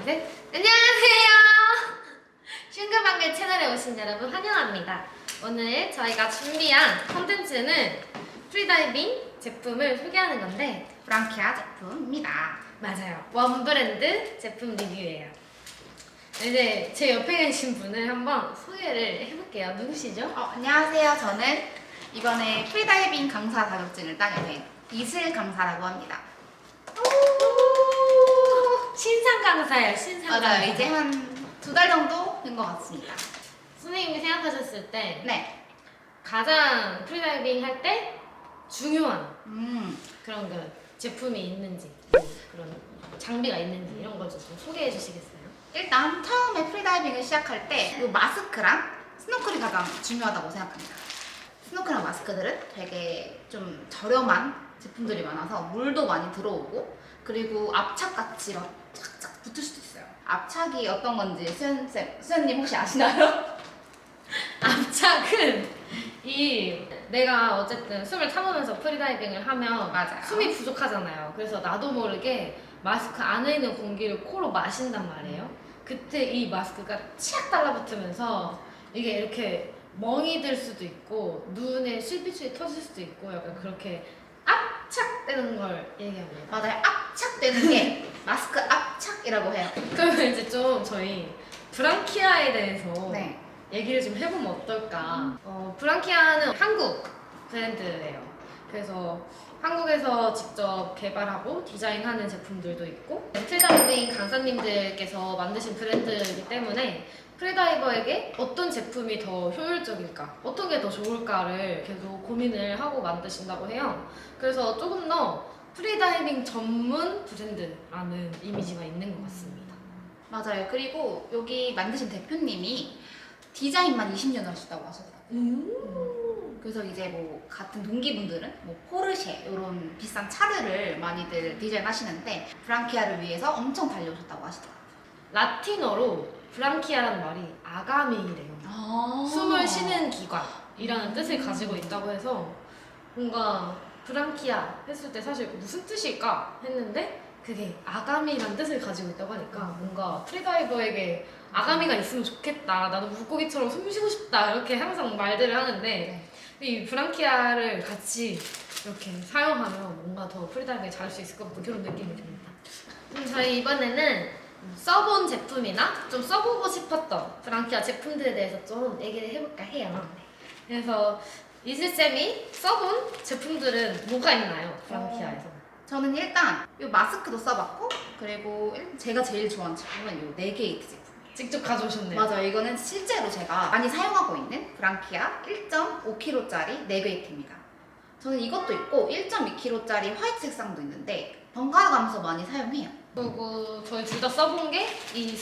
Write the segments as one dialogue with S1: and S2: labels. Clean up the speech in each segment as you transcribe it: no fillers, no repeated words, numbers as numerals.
S1: 셋. 안녕하세요. 슝글방글 채널에 오신 여러분 환영합니다. 오늘 저희가 준비한 컨텐츠는 프리다이빙 제품을 소개하는 건데
S2: 브랑키아 제품입니다.
S1: 맞아요. 원 브랜드 제품 리뷰예요. 이제 제 옆에 계신 분을 한번 소개를 해볼게요. 누구시죠?
S2: 안녕하세요. 저는 이번에 프리다이빙 강사 자격증을 따게 된 이슬 강사라고 합니다.
S1: 신상 강사예요. 신상 강사.
S2: 맞아요. 이제 한 2달 정도 된 것 같습니다.
S1: 선생님이 생각하셨을 때
S2: 네.
S1: 가장 프리다이빙 할 때 중요한 그런 그 제품이 있는지 뭐 그런 장비가 있는지 이런 걸 좀 소개해 주시겠어요?
S2: 일단 처음에 프리다이빙을 시작할 때 이 마스크랑 스노클이 가장 중요하다고 생각합니다. 스노클이랑 마스크들은 되게 좀 저렴한 제품들이 많아서 물도 많이 들어오고 그리고 압착같이 막 착착 붙을 수도 있어요. 압착이 어떤 건지 수연님 혹시 아시나요?
S1: 압착은 내가 어쨌든 숨을 참으면서 프리다이빙을 하면
S2: 맞아요.
S1: 숨이 부족하잖아요. 그래서 나도 모르게 마스크 안에 있는 공기를 코로 마신단 말이에요. 그때 이 마스크가 치약 달라붙으면서 이게 이렇게 멍이 들 수도 있고 눈에 실핏줄이 터질 수도 있고 약간 그렇게 압착되는 걸 얘기합니다.
S2: 맞아요. 압착되는 게 마스크 압착이라고 해요.
S1: 그러면 이제 좀 저희 브랑키아에 대해서
S2: 네.
S1: 얘기를 좀 해보면 어떨까. 브랑키아는 한국 브랜드예요. 그래서 한국에서 직접 개발하고 디자인하는 제품들도 있고 프리다이빙 강사님들께서 만드신 브랜드이기 때문에 프리다이버에게 어떤 제품이 더 효율적일까, 어떤 게 더 좋을까를 계속 고민을 하고 만드신다고 해요. 그래서 조금 더 프리다이빙 전문 브랜드라는 이미지가 있는 것 같습니다.
S2: 맞아요. 그리고 여기 만드신 대표님이 디자인만 20년 하셨다고 하시더라고요. 그래서 이제 뭐 같은 동기분들은 뭐 포르쉐 이런 비싼 차들을 많이들 디자인하시는데 브랑키아를 위해서 엄청 달려오셨다고 하시더라고요.
S1: 라틴어로 브랑키아라는 말이 아가미래요. 숨을 쉬는 기관이라는 뜻을 가지고 있다고 해서 뭔가 브랑키아 했을 때 사실 무슨 뜻일까 했는데 그게 아가미라는 뜻을 가지고 있다고 하니까 뭔가 프리다이버에게 아가미가 있으면 좋겠다. 나도 물고기처럼 숨 쉬고 싶다. 이렇게 항상 말들을 하는데 이 브랑키아를 같이 이렇게 사용하면 뭔가 더 프리다이빙을 잘할 수 있을 것 같은 그런 느낌이 듭니다. 저희 이번에는 써본 제품이나 좀 써보고 싶었던 브랑키아 제품들에 대해서 좀 얘기를 해볼까 해요. 그래서 이슬쌤이 써본 제품들은 뭐가 있나요? 브랑키아에서.
S2: 저는 일단 이 마스크도 써봤고 그리고 제가 제일 좋아하는 제품은 이 네게이트 제품.
S1: 직접 가져오셨네요.
S2: 맞아요. 이거는 실제로 제가 많이 사용하고 있는 브랑키아 1.5kg짜리 네게이트입니다. 저는 이것도 있고 1.2kg짜리 화이트 색상도 있는데 번갈아 가면서 많이 사용해요.
S1: 그리고 저희 둘 다 써본 게 이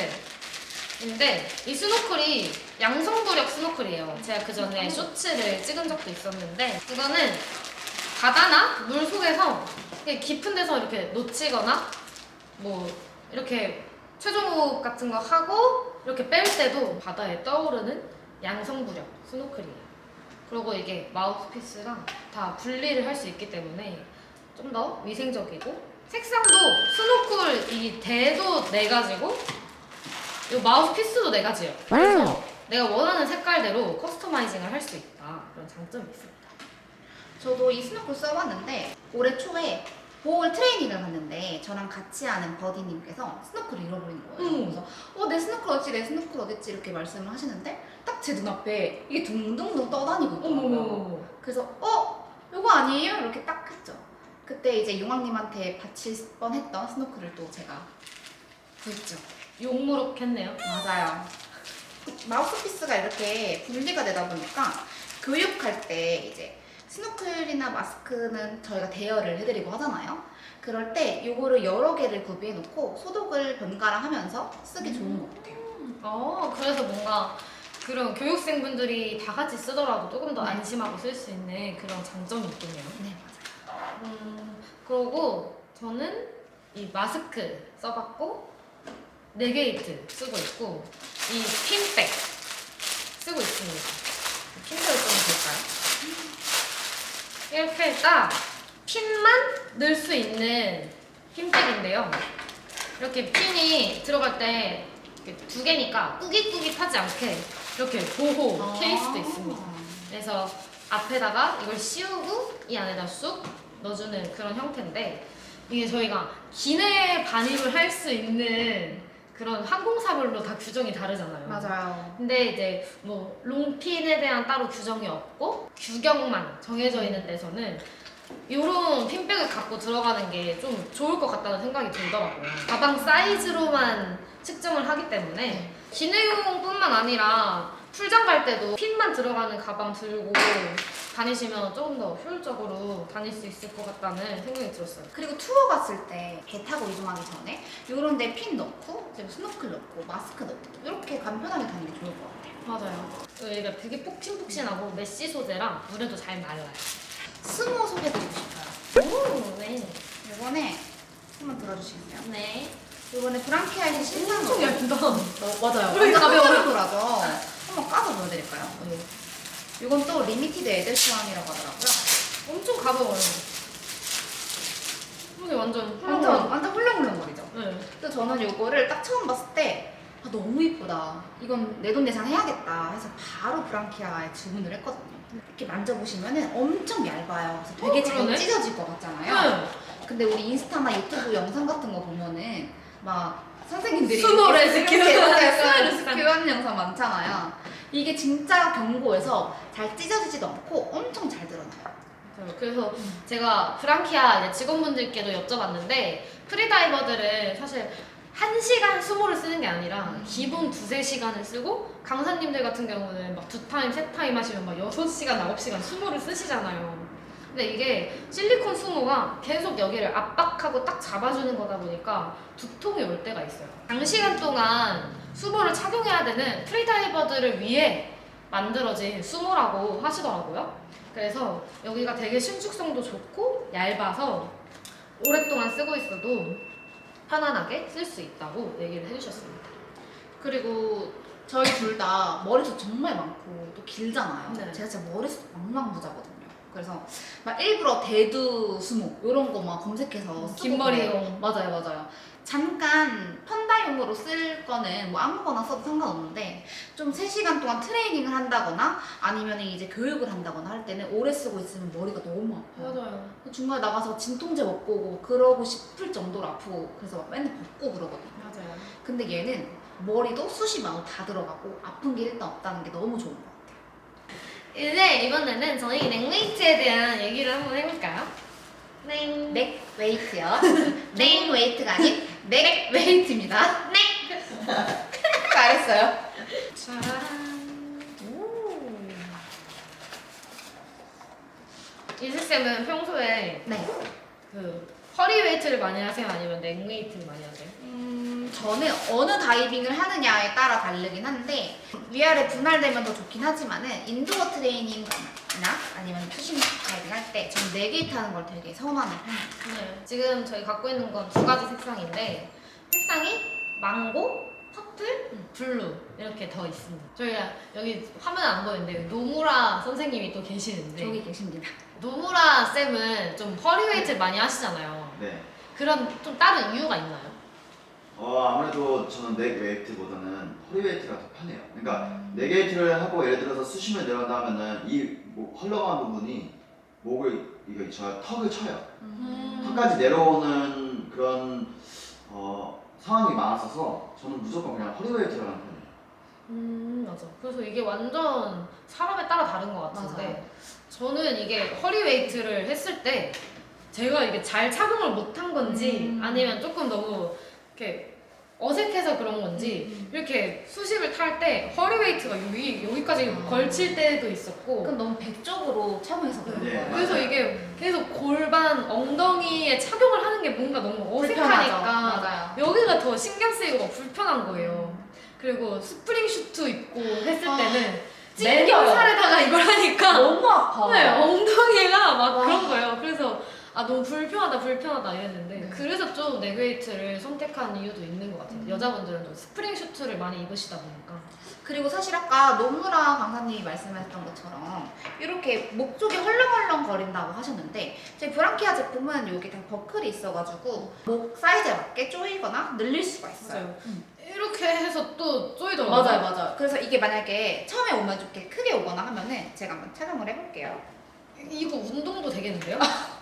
S1: 스노클인데 이 스노클이 양성부력 스노클이에요. 제가 그 전에 쇼츠를 찍은 적도 있었는데 이거는 바다나 물 속에서 깊은 데서 이렇게 놓치거나 뭐 이렇게 최종호흡 같은 거 하고 이렇게 뺄 때도 바다에 떠오르는 양성부력 스노클이에요. 그리고 이게 마우스피스랑 다 분리를 할 수 있기 때문에 좀 더 위생적이고 색상도 스노클 이 대도 4가지고 이 마우스피스도 4가지예요. 그래서 내가 원하는 색깔대로 커스터마이징을 할 수 있다. 그런 장점이 있습니다.
S2: 저도 이 스노클 써봤는데 올해 초에 보홀 트레이닝을 갔는데 저랑 같이 하는 버디님께서 스노클을 잃어버린 거예요. 그래서 내 스노클 어딨지? 내 스노클 어딨지? 이렇게 말씀을 하시는데 딱 제 눈앞에 이게 둥둥둥 떠다니고 있더라고요. 그래서 이거 아니에요? 이렇게 딱 했죠. 그때 이제 용왕님한테 바칠 뻔했던 스노클을 또 제가 구했죠.
S1: 욕무룩했네요.
S2: 맞아요. 마우스피스가 이렇게 분리가 되다 보니까 교육할 때 이제 스노클이나 마스크는 저희가 대여를 해드리고 하잖아요. 그럴 때 요거를 여러 개를 구비해 놓고 소독을 번갈아 하면서 쓰기 좋은 것 같아요.
S1: 그래서 뭔가 그런 교육생분들이 다 같이 쓰더라도 조금 더
S2: 네.
S1: 안심하고 쓸 수 있는 그런 장점이 있겠네요.
S2: 네,
S1: 그리고 저는 이 마스크 써봤고 네게이트 쓰고 있고 이 핀백 쓰고 있습니다. 핀백을 좀 볼까요? 이렇게 딱 핀만 넣을 수 있는 핀백인데요. 이렇게 핀이 들어갈 때 이렇게 두 개니까 꾸깃꾸깃하지 않게 이렇게 보호 케이스도 있습니다. 그래서 앞에다가 이걸 씌우고 이 안에다 쑥 넣어주는 그런 형태인데 이게 저희가 기내 반입을 할 수 있는 그런 항공사별로 다 규정이 다르잖아요.
S2: 맞아요.
S1: 근데 이제 뭐 롱핀에 대한 따로 규정이 없고 규격만 정해져 있는 데서는 이런 핀백을 갖고 들어가는 게 좀 좋을 것 같다는 생각이 들더라고요. 가방 사이즈로만 측정을 하기 때문에 기내용뿐만 아니라 출장 갈 때도 핀만 들어가는 가방 들고 다니시면 조금 더 효율적으로 다닐 수 있을 것 같다는 생각이 들었어요.
S2: 그리고 투어 갔을 때 배 타고 이동하기 전에 이런 데 핀 넣고 그리고 스노클 넣고 마스크 넣고 이렇게 간편하게 다니는 게 좋을 것 같아요.
S1: 맞아요. 얘가 되게 폭신폭신하고 메쉬 소재라 물에도 잘 말라요.
S2: 스모 소개드리고 싶어요.
S1: 오, 네.
S2: 이번에 한번 들어주시겠어요?
S1: 네.
S2: 이번에 브랑키아의 신상
S1: 엄청 얇다.
S2: 맞아요.
S1: 우리
S2: 완전
S1: 가벼워요.
S2: 폴리콜하죠. 한번 까서 보여드릴까요? 이건 또 리미티드 에디션이라고 하더라고요.
S1: 엄청 가벼워요. 이게 완전 훌륭한.
S2: 완전 훌렁훌렁거리죠.
S1: 네.
S2: 그래서 저는 이거를 딱 처음 봤을 때 아, 너무 이쁘다. 이건 내돈내산 해야겠다 해서 바로 브랑키아에 주문을 했거든요. 이렇게 만져보시면은 엄청 얇아요. 그래서 되게 잘
S1: 그러네?
S2: 찢어질 것 같잖아요.
S1: 네.
S2: 근데 우리 인스타나 유튜브 영상 같은 거 보면은 막 선생님들이
S1: 스모
S2: 이렇게
S1: 레스큐.
S2: 스모
S1: 스모
S2: 레스큐 하는 영상 많잖아요. 이게 진짜 견고해서 잘 찢어지지도 않고 엄청 잘 드러나요.
S1: 그래서 제가 브랑키아 이제 직원분들께도 여쭤봤는데 프리다이버들은 사실 1시간 수모를 쓰는 게 아니라 기본 2~3시간을 쓰고 강사님들 같은 경우는 막 2타임, 3타임 하시면 막 6시간, 9시간 수모를 쓰시잖아요. 근데 이게 실리콘 수모가 계속 여기를 압박하고 딱 잡아주는 거다 보니까 두통이 올 때가 있어요. 장시간 동안 수모를 착용해야 되는 프리다이버들을 위해 만들어진 수모라고 하시더라고요. 그래서 여기가 되게 신축성도 좋고 얇아서 오랫동안 쓰고 있어도 편안하게 쓸 수 있다고 얘기를 해주셨습니다.
S2: 그리고 저희 둘 다 머리숱 정말 많고 또 길잖아요.
S1: 네.
S2: 제가 진짜 머리숱 망망부자거든요. 그래서 막 일부러 대두 수모 이런 거 막 검색해서 쓰고
S1: 긴 머리용.
S2: 맞아요. 잠깐 펀다용으로 쓸 거는 뭐 아무거나 써도 상관없는데 좀 3시간 동안 트레이닝을 한다거나 아니면 이제 교육을 한다거나 할 때는 오래 쓰고 있으면 머리가 너무 아파요.
S1: 맞아요.
S2: 중간에 나가서 진통제 먹고 오고 그러고 싶을 정도로 아프고 그래서 막 맨날 벗고 그러거든요.
S1: 맞아요.
S2: 근데 얘는 머리도 숱이 많고 다 들어가고 아픈 게 일단 없다는 게 너무 좋은 것 같아요.
S1: 이제 이번에는 저희 넥웨이트에 대한 얘기를 한번 해볼까요? 넥.
S2: 넥 웨이트요. 넥 웨이트가 아닌 넥 웨이트입니다. 넥! 잘했어요.
S1: 짜란. 오. 이슬쌤은 평소에
S2: 네.
S1: 그 허리 웨이트를 많이 하세요? 아니면 넥 웨이트를 많이 하세요?
S2: 저는 어느 다이빙을 하느냐에 따라 다르긴 한데 위아래 분할되면 더 좋긴 하지만은 인도어 트레이닝이나 아니면 푸싱 다이빙 할 때 전 넥웨이트 하는 걸 되게 선호하는 편이에요.
S1: 네. 지금 저희 갖고 있는 건 2가지 색상인데 색상이 망고, 퍼플, 블루 이렇게 더 있습니다. 저희가 여기 화면 안 보이는데 노무라 선생님이 또 계시는데
S2: 저기 계십니다.
S1: 노무라 쌤은 좀 허리 웨이트를 많이 하시잖아요.
S3: 네.
S1: 그런 좀 다른 이유가 있나요?
S3: 아무래도 저는 넥 웨이트보다는 허리 웨이트가 더 편해요. 그러니까 넥 웨이트를 하고 예를 들어서 수심을 내려간다 하면은 이 헐렁한 부분이 목을 이거 저 턱을 쳐요. 턱까지 내려오는 그런 상황이 많았어서 저는 무조건 그냥 허리 웨이트를 하는 편이에요.
S1: 맞아. 그래서 이게 완전 사람에 따라 다른 것 같은데
S2: 맞아요.
S1: 저는 이게 허리 웨이트를 했을 때 제가 이게 잘 착용을 못한 건지 아니면 조금 너무 이렇게 어색해서 그런 건지 이렇게 수십을 탈 때 허리 웨이트가 여기까지 걸칠 때도 있었고
S2: 그럼 너무 백쪽으로 착용해서 그런
S3: 네.
S2: 거예요.
S1: 그래서 이게 계속 골반 엉덩이에 착용을 하는 게 뭔가 너무 어색하니까
S2: 맞아요.
S1: 여기가 더 신경 쓰이고 막 불편한 거예요. 그리고 스프링 슈트 입고 했을 때는 내
S2: 찡겨요.
S1: 살에다가 이걸 하니까
S2: 너무 아파.
S1: 네, 엉덩이가 막
S2: 와.
S1: 그런 거예요. 그래서 아 너무 불편하다 이랬는데
S2: 네.
S1: 그래서 좀 네그웨이트를 선택한 이유도 있는 것 같아요.
S2: 음.
S1: 여자분들은 좀 스프링 슈트를 많이 입으시다 보니까.
S2: 그리고 사실 아까 노무라 강사님이 말씀하셨던 것처럼 이렇게 목 쪽이 헐렁헐렁 거린다고 하셨는데 저희 브랑키아 제품은 여기 다 버클이 있어가지고 목 사이즈에 맞게 조이거나 늘릴 수가 있어요.
S1: 맞아요.
S2: 음.
S1: 이렇게 해서 또 쪼이더라고요.
S2: 맞아요. 그래서 이게 만약에 처음에 오면 좀 이렇게 크게 오거나 하면은 제가 한번 착용을 해볼게요.
S1: 이거 운동도 되겠는데요?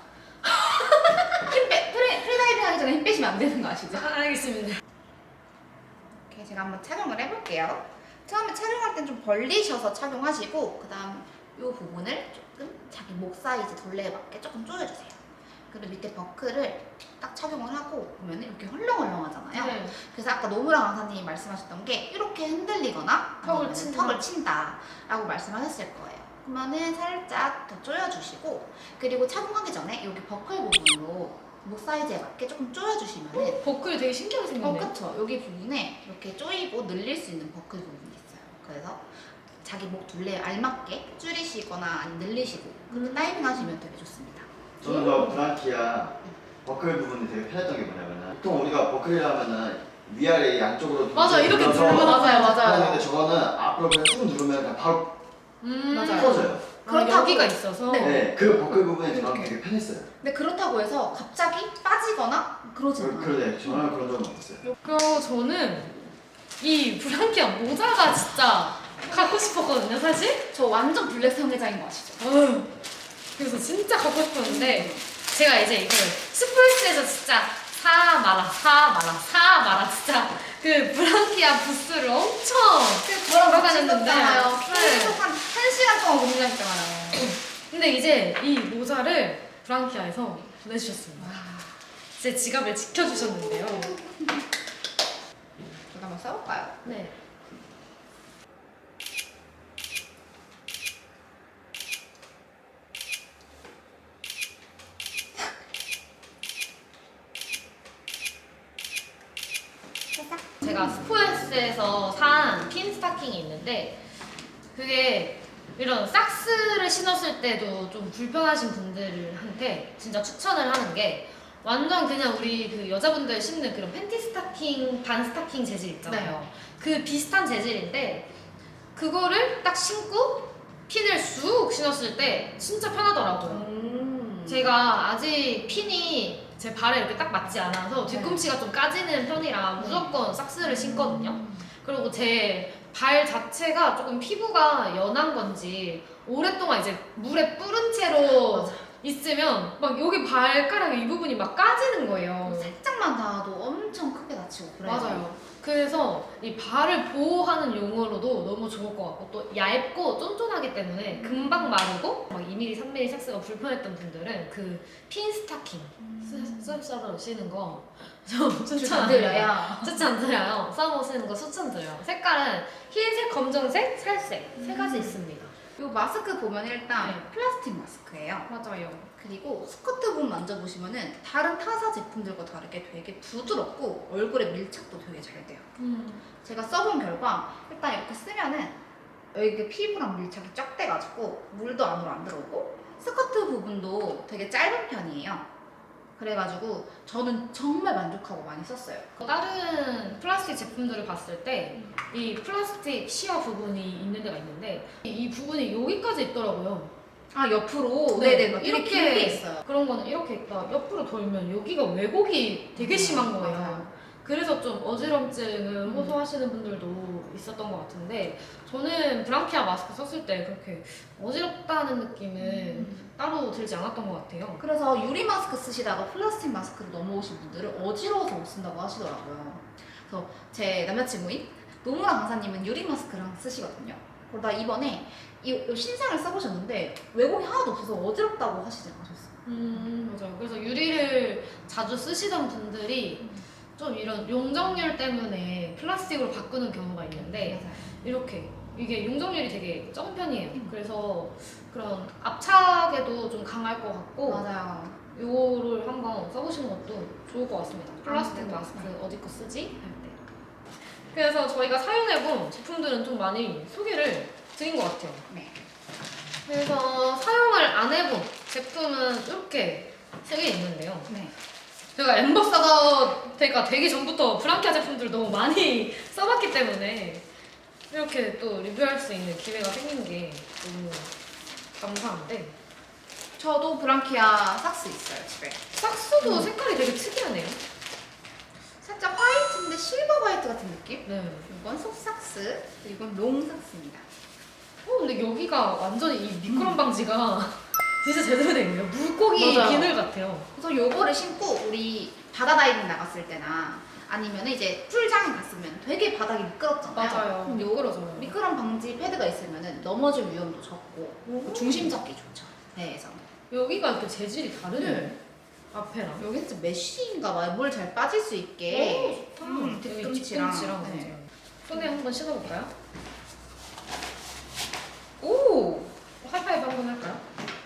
S2: 프리다이빙 하기 전에 힘 빼시면 안 되는 거 아시죠?
S1: 알겠습니다.
S2: 이렇게 제가 한번 착용을 해볼게요. 처음에 착용할 땐 좀 벌리셔서 착용하시고 그 다음 이 부분을 조금 자기 목 사이즈 둘레에 맞게 조금 조여주세요. 그리고 밑에 버클을 딱 착용을 하고 보면 이렇게 헐렁헐렁하잖아요.
S1: 네.
S2: 그래서 아까 노무라 강사님이 말씀하셨던 게 이렇게 흔들리거나
S1: 턱을
S2: 아니면
S1: 친다.
S2: 턱을 친다라고 말씀하셨을 거예요. 그러면은 살짝 더 조여주시고 그리고 착용하기 전에 여기 버클 부분으로 목 사이즈에 맞게 조금 조여주시면은
S1: 버클이 되게 신기하게 생겼네요.
S2: 그쵸. 여기 부분에 이렇게 조이고 늘릴 수 있는 버클 부분이 있어요. 그래서 자기 목 둘레에 알맞게 줄이시거나 아니면 늘리시고 그렇게 다이빙 하시면 되게 좋습니다.
S3: 저는 저 브랑키아 버클 부분이 되게 편했던 게 뭐냐면은 보통 우리가 버클이라면은 위아래 양쪽으로
S1: 맞아, 이렇게
S3: 눌러서
S1: 눌러. 맞아요.
S3: 하는데 저거는 앞으로 그냥 쭉 누르면 그냥 바로
S2: 맞아요.
S3: 풀어져요.
S2: 그렇다고-
S1: 여기가 있어서.
S2: 네.
S3: 네, 그 버클 부분이 저는
S2: 이렇게.
S3: 되게 편했어요.
S2: 근데 그렇다고 해서 갑자기 빠지거나 그러진 않아요.
S3: 그러네, 저는 그런 적은 없었어요.
S1: 그리고 저는 이 브랑키아 모자가 진짜 갖고 싶었거든요, 사실.
S2: 저 완전 블랙 성애자인 거 아시죠?
S1: 어휴, 그래서 진짜 갖고 싶었는데 제가 이제 이걸 스포이스에서 진짜 사 마라 진짜 그 브랑키아 부스를 엄청
S2: 저랑
S1: 같이
S2: 같이
S1: 있었는데.
S2: 있었잖아요.
S1: 네.
S2: 계속 한 1시간 동안 고민했잖아요.
S1: 근데 이제 이 모자를 브랑키아에서 보내주셨습니다. 제 지갑을 지켜주셨는데요.
S2: 저도 한번 써볼까요?
S1: 네. 제가 스포에스에서 산 핀 스타킹이 있는데 그게 이런 삭스를 신었을 때도 좀 불편하신 분들한테 진짜 추천을 하는 게 완전 그냥 우리 그 여자분들 신는 그런 팬티 스타킹, 반 스타킹 재질 있잖아요. 그 비슷한 재질인데 그거를 딱 신고 핀을 쑥 신었을 때 진짜 편하더라고요. 제가 아직 핀이 제 발에 이렇게 딱 맞지 않아서 뒤꿈치가 좀 까지는 편이라 무조건 삭스를 신거든요. 그리고 제 발 자체가 조금 피부가 연한 건지 오랫동안 이제 물에 뿌른 채로
S2: 맞아.
S1: 있으면 막 여기 발가락 이 부분이 막 까지는 거예요.
S2: 살짝만 닿아도 엄청 크게 다치고 그래요.
S1: 맞아요. 그래서 이 발을 보호하는 용어로도 너무 좋을 것 같고 또 얇고 쫀쫀하기 때문에 금방 마르고 막 2mm, 3mm 삭스가 불편했던 분들은 그 핀 스타킹 썰썰썰 쓰는 거 좀 추천드려요. 추천드려요. 써머 쓰는 거 추천드려요. 색깔은 흰색, 검정색, 살색 세 가지 있습니다.
S2: 이 마스크 보면 일단
S1: 네.
S2: 플라스틱 마스크예요.
S1: 맞아요.
S2: 그리고 스커트 부분 만져보시면은 다른 타사 제품들과 다르게 되게 부드럽고 얼굴에 밀착도 되게 잘 돼요. 제가 써본 결과 일단 이렇게 쓰면은 여기 피부랑 밀착이 쫙 돼가지고 물도 안으로 안 들어오고 스커트 부분도 되게 짧은 편이에요. 그래가지고 저는 정말 만족하고 많이 썼어요.
S1: 다른 플라스틱 제품들을 봤을 때 이 플라스틱 시어 부분이 있는 데가 있는데 이 부분이 여기까지 있더라고요.
S2: 아 옆으로
S1: 네,
S2: 네네 막
S1: 이렇게
S2: 이렇게 길게 있어요.
S1: 그런 거는 이렇게 있다 옆으로 돌면 여기가 왜곡이 되게 심한 거예요.
S2: 맞아요.
S1: 그래서 좀 어지럼증을 호소하시는 분들도 있었던 것 같은데 저는 브랑키아 마스크 썼을 때 그렇게 어지럽다는 느낌은 따로 들지 않았던 것 같아요.
S2: 그래서 유리 마스크 쓰시다가 플라스틱 마스크로 넘어오신 분들은 어지러워서 못 쓴다고 하시더라고요. 그래서 제 남자친구인 노무라 강사님은 유리 마스크랑 쓰시거든요. 그러다 이번에 이 신상을 써보셨는데 왜곡이 하나도 없어서 어지럽다고 하시지 않으셨어요?
S1: 맞아요. 그래서 유리를 자주 쓰시던 분들이 좀 이런 용적률 때문에 플라스틱으로 바꾸는 경우가 있는데
S2: 맞아요.
S1: 이렇게 이게 용적률이 되게 적은 편이에요. 그래서 그런 압착에도 좀 강할 것 같고
S2: 맞아요.
S1: 요거를 한번 써보시는 것도 좋을 것 같습니다. 플라스틱
S2: 네,
S1: 마스크
S2: 네.
S1: 어디 거 쓰지? 할 때. 그래서 저희가 사용해본 제품들은 좀 많이 소개를 드린 것 같아요.
S2: 네.
S1: 그래서 사용을 안 해본 제품은 이렇게 세 개 있는데요.
S2: 네.
S1: 제가 엠버서더가 되기 전부터 브랑키아 제품들을 너무 많이 써봤기 때문에 이렇게 또 리뷰할 수 있는 기회가 생긴 게 너무 감사한데
S2: 저도 브랑키아 삭스 있어요 집에.
S1: 삭스도 색깔이 되게 특이하네요.
S2: 살짝 화이트인데 실버 화이트 같은 느낌?
S1: 네.
S2: 이건 속삭스, 이건 롱 삭스입니다.
S1: 근데 여기가 완전히 이 미끄럼 방지가 진짜 제대로 된 거예요. 물고기
S2: 맞아요.
S1: 비늘 같아요.
S2: 그래서 요거를 신고 우리 바다 다이빙 나갔을 때나 아니면 이제 풀장에 갔으면 되게 바닥이 미끄럽잖아요. 그럼 요
S1: 미끄러져요.
S2: 미끄럼 방지 패드가 있으면 넘어질 위험도 적고 중심 잡기 좋죠. 배에서.
S1: 여기가 이렇게 재질이 다르네요.
S2: 네.
S1: 앞에랑.
S2: 여기 진짜 메쉬인가 봐요. 물 잘 빠질 수 있게.
S1: 좋다.
S2: 뒤꿈치랑.
S1: 뒤꿈치랑
S2: 네.
S1: 맞아요. 손에 한번 신어볼까요?
S2: 오!
S1: 하이파이브 한번 할까요?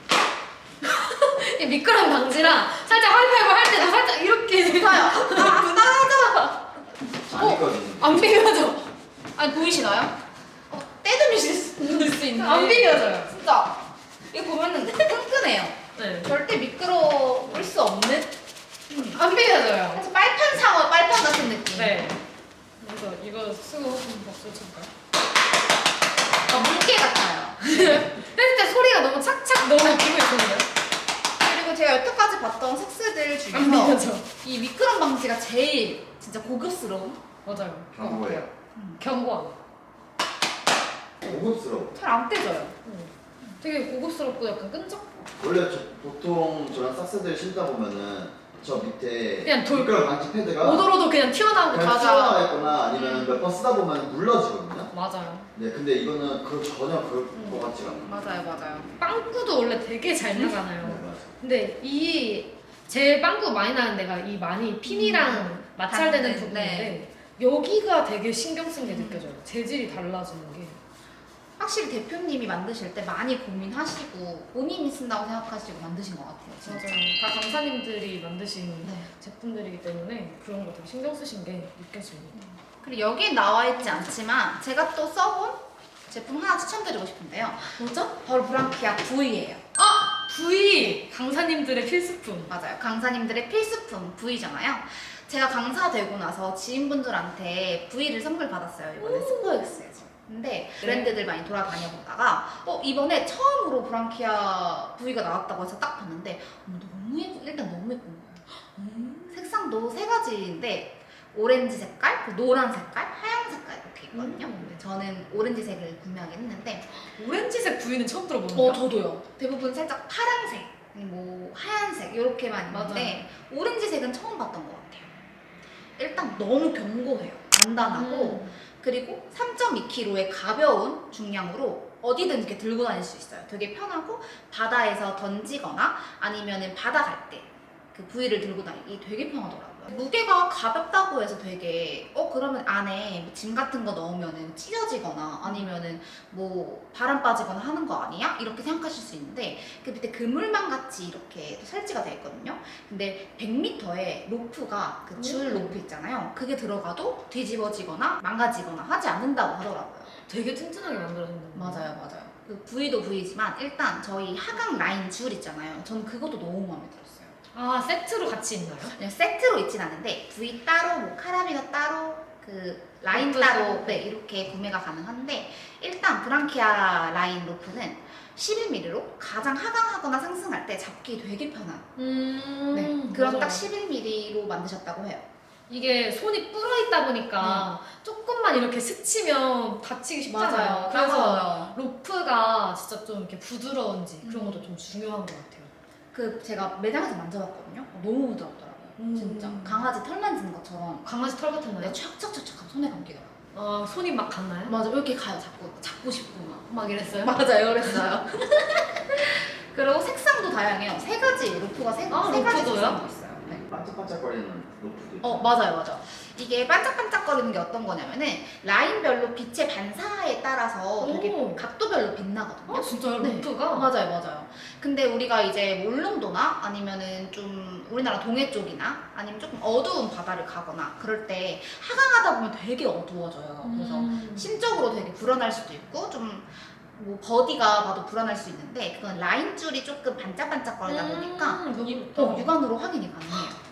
S1: 이 미끄럼 방지랑 살짝 하이파이브 할 때도 살짝 이렇게
S2: 좋아요. 아,
S3: 아니거든요.
S1: 안 비벼져.
S2: 아니 보이시나요? 떼드미실 수 있는데
S1: 안 비벼져요.
S2: 진짜 이거 보면은 끈끈해요.
S1: 네.
S2: 절대 미끄러울 수 없는
S1: 안 비벼져요.
S2: 그래서 빨판 상어, 빨판 같은 느낌.
S1: 네. 그래서 이거 쓰고 한번 박수 칠까요?
S2: 물개 같아요.
S1: 뗄 때 소리가 너무 착착 너무 기분이 좋은데요?
S2: 그리고 제가 여태까지 봤던 색스들
S1: 안
S2: 중에서
S1: 비벼져.
S2: 이 미끄럼 방지가 제일 진짜 고급스러운.
S1: 맞아요.
S3: 경고예요.
S1: 경고함.
S3: 고급스러워.
S2: 잘 안 떼져요.
S1: 되게 고급스럽고 약간 끈적?
S3: 원래 보통 저런 삭스들 신다 보면은 저 밑에
S1: 그냥 돌-
S3: 미끄럼 방지 패드가
S1: 오도로도 그냥 튀어나오고
S3: 그냥
S1: 가자.
S3: 튀어나와 있거나 아니면 몇 번 쓰다 보면 물러지거든요.
S1: 맞아요.
S3: 네, 근데 이거는 전혀 그럴 것 같지가 않아요.
S2: 맞아요, 맞아요.
S1: 빵꾸도 원래 되게 잘 나잖아요.
S3: 네, 맞아요.
S1: 근데 제일 빵꾸 많이 나는 데가 이 많이 핀이랑 마찰되는
S2: 닿는,
S1: 부분인데 여기가 되게 신경 쓴 게 느껴져요. 재질이 달라지는 게.
S2: 확실히 대표님이 만드실 때 많이 고민하시고 본인이 쓴다고 생각하시고 만드신 것 같아요. 진짜.
S1: 맞아요. 다 강사님들이 만드신
S2: 네.
S1: 제품들이기 때문에 그런 거 되게 신경 쓰신 게 느껴집니다.
S2: 그리고 여기 나와 있지 않지만 제가 또 써본 제품 하나 추천드리고 싶은데요.
S1: 뭐죠?
S2: 바로 브랑키아 V예요.
S1: V! 강사님들의 필수품.
S2: 맞아요. 강사님들의 필수품 V잖아요. 제가 강사 되고 나서 지인분들한테 V를 선물 받았어요. 이번에 스포엑스에서. 근데 브랜드들 많이 돌아다녀 보다가 이번에 처음으로 브랑키아 V가 나왔다고 해서 딱 봤는데 너무 일단 너무 예쁜 거예요. 색상도 세 가지인데 오렌지 색깔, 그 노란 색깔, 하얀 색깔 이렇게 있거든요. 근데 저는 오렌지색을 구매하긴 했는데
S1: 오렌지색 V는 처음 들어보는데요?
S2: 저도요. 대부분 살짝 파란색, 뭐 하얀색 이렇게만 있는데 오렌지색은 처음 봤던 것 같아요. 일단 너무 견고해요. 단단하고 그리고 3.2kg의 가벼운 중량으로 어디든 이렇게 들고 다닐 수 있어요. 되게 편하고 바다에서 던지거나 아니면은 바다 갈 때 그 부위를 들고 다니기 되게 편하더라고요. 무게가 가볍다고 해서 되게 그러면 안에 뭐짐 같은 거 넣으면은 찢어지거나 아니면은 뭐 바람 빠지거나 하는 거 아니야? 이렇게 생각하실 수 있는데 그 밑에 그물망 같이 이렇게 설치가 되어 있거든요. 근데 100m의 로프가 그 줄 로프 있잖아요. 그게 들어가도 뒤집어지거나 망가지거나 하지 않는다고 하더라고요.
S1: 되게 튼튼하게 만들어진다.
S2: 맞아요. 그 부위도 부위지만 일단 저희 하강 라인 줄 있잖아요. 저는 그것도 너무 마음에 들었어요.
S1: 세트로 같이 있나요?
S2: 그냥 세트로 있진 않은데 부위 따로, 뭐 카라비너 따로, 그 라인
S1: 로프
S2: 따로
S1: 따로.
S2: 네, 이렇게 구매가 가능한데 일단 브랑키아 라인 로프는 11mm로 가장 하강하거나 상승할 때 잡기 되게 편한 네, 그런
S1: 맞아요.
S2: 딱 11mm로 만드셨다고 해요.
S1: 이게 손이 불어 있다 보니까 조금만 이렇게 스치면 다치기 쉽잖아요. 그래서
S2: 맞아요.
S1: 로프가 진짜 좀 이렇게 부드러운지 그런 것도 좀 중요한 것 같아요.
S2: 그 제가 매장에서 만져봤거든요. 너무 부드럽더라고요. 진짜 강아지 털 만지는 것처럼
S1: 강아지 털 같은
S2: 네,
S1: 거요?
S2: 촥촥촥촥 손에 감기더라고요.
S1: 손이 막 갔나요?
S2: 맞아, 이렇게 가요. 잡고 싶고 막.
S1: 막 이랬어요?
S2: 맞아요, 그랬어요. 그리고 색상도 다양해요. 세 가지 로프가 세 가지
S1: 로프도요?
S2: 색상도 있어요. 네.
S3: 반짝반짝거리는 로프도 있고.
S2: 맞아요. 이게 반짝반짝거리는 게 어떤 거냐면은 라인별로 빛의 반사에 따라서 되게
S1: 오.
S2: 각도별로 빛나거든요.
S1: 진짜요?
S2: 네.
S1: 로프가?
S2: 맞아요. 근데 우리가 이제 뭐 울릉도나 아니면은 좀 우리나라 동해 쪽이나 아니면 조금 어두운 바다를 가거나 그럴 때 하강하다 보면 되게 어두워져요. 그래서 심적으로 되게 불안할 수도 있고 좀 뭐 버디가 봐도 불안할 수 있는데 그건 라인 줄이 조금 반짝반짝거리다 보니까
S1: 너무
S2: 육안으로 확인이 가능해요.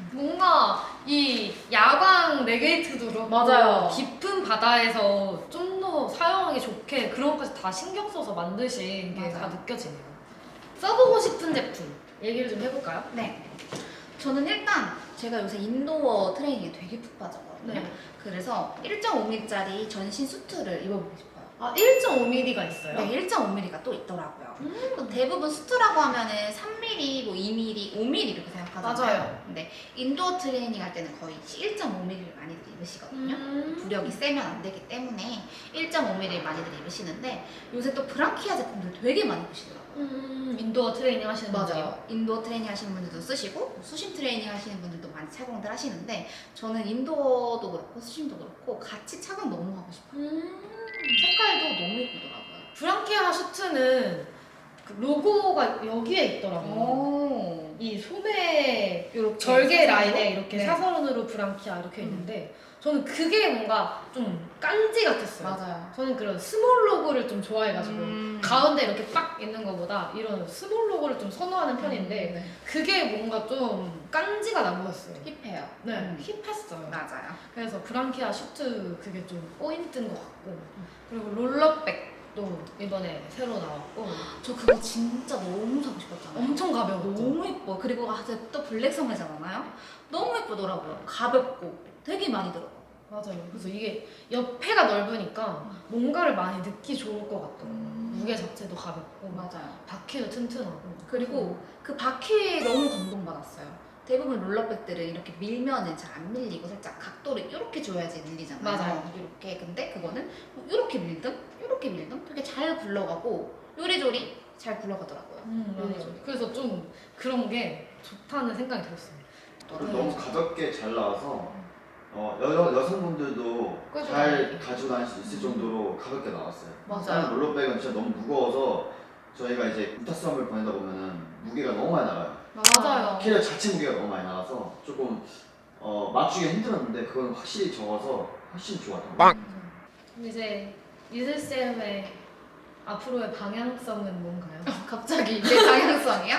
S1: 뭔가 이 야광 네게이트도 그렇고
S2: 맞아요.
S1: 깊은 바다에서 좀 더 사용하기 좋게 그런 것까지 다 신경 써서 만드신 게 다
S2: 맞아요.
S1: 느껴지네요. 써보고 싶은 제품 얘기를 좀 해볼까요?
S2: 네. 저는 일단 제가 요새 인도어 트레이닝에 되게 푹 빠졌거든요.
S1: 네.
S2: 그래서 1.5mm짜리 전신 수트를 입어보고 싶어요.
S1: 아 1.5mm가 있어요?
S2: 네, 1.5mm가 또 있더라고요. 또 대부분 수트라고 하면은 3mm, 뭐 2mm, 5mm 이렇게 생각하잖아요.
S1: 맞아요.
S2: 근데 인도어 트레이닝 할 때는 거의 1.5mm를 많이들 입으시거든요. 부력이 세면 안 되기 때문에 1.5mm를 많이들 입으시는데 요새 또 브랑키아 제품들 되게 많이 입으시더라고요.
S1: 인도어 트레이닝 하시는 분들이요?
S2: 맞아요. 인도어 트레이닝 하시는 분들도 쓰시고 수심 트레이닝 하시는 분들도 많이 착용들 하시는데 저는 인도어도 그렇고 수심도 그렇고 같이 착용 너무 하고 싶어요. 색깔도 너무 예쁘더라고요.
S1: 브랑키아 슈트는 그 로고가 여기에 있더라고요.
S2: 오.
S1: 이 소매
S2: 이렇게
S1: 절개
S2: 사선으로?
S1: 라인에 이렇게
S2: 네.
S1: 사선으로 브랑키아 이렇게 있는데 저는 그게 뭔가 좀 깐지 같았어요.
S2: 맞아요.
S1: 저는 그런 스몰 로고를 좀 좋아해가지고 가운데 이렇게 빡 있는 것보다 이런 스몰 로고를 좀 선호하는 편인데
S2: 네.
S1: 그게 뭔가 좀 깐지가 나 보였어요.
S2: 힙해요.
S1: 네, 힙했어요.
S2: 맞아요.
S1: 그래서 브랑키아 슈트 그게 좀 포인트인 것 같고 그리고 롤러백도 이번에 새로 나왔고
S2: 저 그거 진짜 너무 사고 싶었잖아요.
S1: 엄청 가벼웠죠.
S2: 너무 예뻐. 그리고 또 블랙 소매잖아요. 너무 예쁘더라고요. 가볍고 되게 많이 들어.
S1: 맞아요. 그래서 이게 옆에가 넓으니까 뭔가를 많이 넣기 좋을 것 같더라고요. 무게 자체도 가볍고
S2: 맞아요.
S1: 바퀴도 튼튼하고
S2: 그리고 그 바퀴에 너무 감동받았어요. 대부분 롤러백들은 이렇게 밀면은 잘 안 밀리고 살짝 각도를 이렇게 줘야지 밀리잖아요.
S1: 맞아요.
S2: 이렇게. 근데 그거는 뭐 이렇게 밀든 이렇게 밀든 되게 잘 굴러가고 요리조리 잘 굴러가더라고요.
S1: 맞아요. 그래서 좀 그런 게 좋다는 생각이 들었어요.
S3: 그리고 너무 가볍게 잘 나와서 여성분들도
S1: 끌고
S3: 잘
S1: 다니기.
S3: 가지고 다닐 수 있을 정도로 가볍게 나왔어요.
S2: 맞아요.
S3: 다른 롤러백은 진짜 너무 무거워서 저희가 이제 우타 수업을 보내다 보면은 무게가 너무 많이 나가요.
S1: 맞아요.
S3: 캐리어 자체 무게가 너무 많이 나가서 조금 맞추기가 힘들었는데 그건 확실히 적어서 훨씬 좋았던 것 같아요.
S1: 이제 이슬쌤의 앞으로의 방향성은 뭔가요?
S2: 갑자기 내 방향성이야?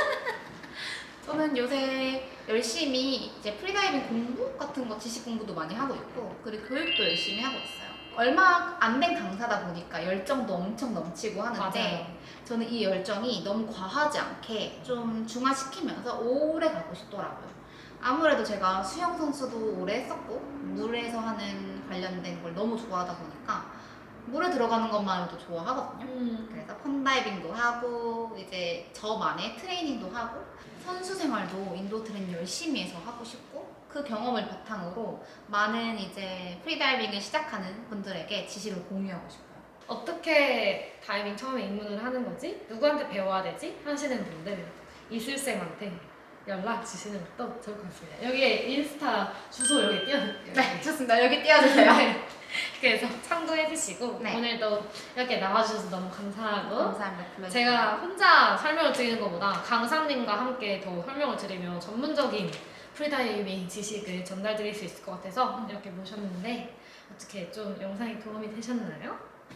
S2: 저는 요새 열심히 이제 프리다이빙 공부 같은 거 지식 공부도 많이 하고 있고 그리고 교육도 열심히 하고 있어요. 얼마 안 된 강사다 보니까 열정도 엄청 넘치고 하는데
S1: 맞아요.
S2: 저는 이 열정이 너무 과하지 않게 좀 중화시키면서 오래 가고 싶더라고요. 아무래도 제가 수영 선수도 오래 했었고 물에서 하는 관련된 걸 너무 좋아하다 보니까 물에 들어가는 것만으로도 좋아하거든요. 그래서 펀다이빙도 하고 이제 저만의 트레이닝도 하고 선수 생활도 인도 트레이닝 열심히 해서 하고 싶고 그 경험을 바탕으로 많은 이제 프리다이빙을 시작하는 분들에게 지식을 공유하고 싶어요.
S1: 어떻게 다이빙 처음에 입문을 하는 거지? 누구한테 배워야 되지? 하시는 분들 이슬쌤한테 연락 주시는 것도 좋을 것 같습니다. 여기에 인스타 주소 여기 띄워드릴게요.
S2: 네, 좋습니다. 여기 띄워주세요.
S1: 네. 그래서 참고해주시고
S2: 네.
S1: 오늘도 이렇게 나와주셔서 너무 감사하고
S2: 감사합니다. 불러주세요.
S1: 제가 혼자 설명을 드리는 것보다 강사님과 함께 더 설명을 드리면 전문적인 프리다이빙 지식을 전달드릴 수 있을 것 같아서 이렇게 모셨는데 어떻게 좀 영상이 도움이 되셨나요?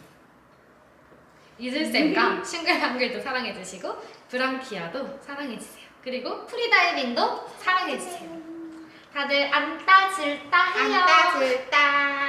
S1: 이슬쌤과 싱글벙글도 사랑해주시고 브랑키아도 사랑해주세요. 그리고 프리다이빙도 사랑해주세요. 다들 안따 질따 해요.
S2: 안따 질따.